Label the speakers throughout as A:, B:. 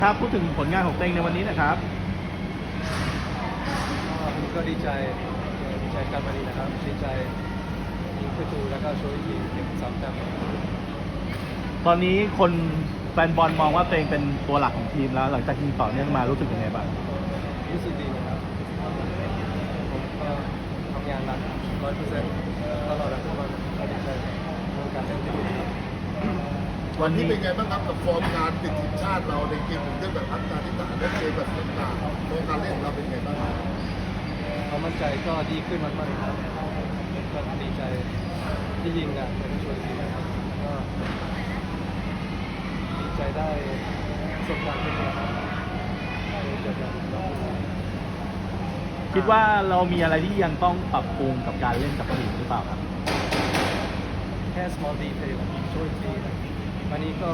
A: ครับพูดถึงผลงานของตัวเองในวันนี้นะครับ
B: ผมก็ดีใจกับวันนี้นะครับดีใจยิงประตูแล้วก็ช่วยทีมเก็บ3 แต้ม
A: ตอนนี้คนแฟนบอลมองว่าตัวเองเป็นตัวหลักของทีมแล้วหลังจากยิงต่อเนื่องมารู้สึกยังไงบ้าง
B: รู้สึกดีนะครับผมก็ทำงานหนัก100%ตลอดทั้งวันก็ดีใจในการเล่นที่ดีครับ
C: วันนี้เป็นไงบ้างครับกับฟอร์มการติดทีมชาติเราในเกมถึงเรื่องแบบอัฟกานิสถานและเกมแบบต่างๆฟอร์มการเล่นของเราเป็นไงบ้าง
B: ความมั่นใจก็ดีขึ้นมากๆครับก็ดีใจที่ยิงนะแล้วก็ช่วยทีมนะครับก็ดีใจได้ประสบการณ์ที่ดีครับเจอกัน
A: คิดว่าเรามีอะไรที่ยังต้องปรับปรุงกับการเล่นกับทีมหรือเปล่าครับ
B: แค่ small detail ช่วยทีมวันนี้ก็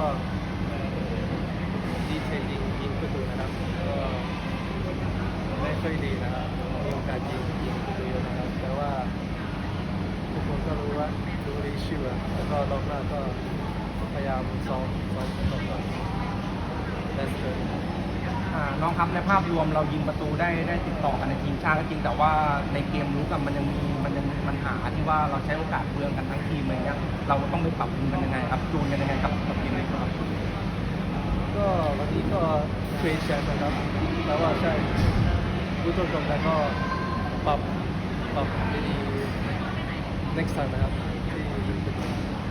B: ดีเทลยิงประตูนะครับก็ไม่ค่อยดีนะครับมีโอกาสยิงประตูเยอะนะครับแต่ว่าทุกคนก็รู้ดีชื่อแล้วก็รอบหน้าก็พยายามซ้อมต่อ That's good
D: น้องครับในภาพรวมเรายิงประตูได้ติดต่อกันในทีมชาติก็จริงแต่ว่าในเกมรู้กันมันยังมีปัญหาที่ว่าเราใช้โอกาสเปลืองกันทั้งทีมอะไรเงี้ยเราต้องไปปรับปรุงกันยังไงครับจูนกันยังไงกับเกมนี้ครับ
B: ก็วันนี้ก็เทรนแชมป์นะครับแต่ว่าใช่รู้ตรงๆแล้วก็ปรับดี next time นะครับที่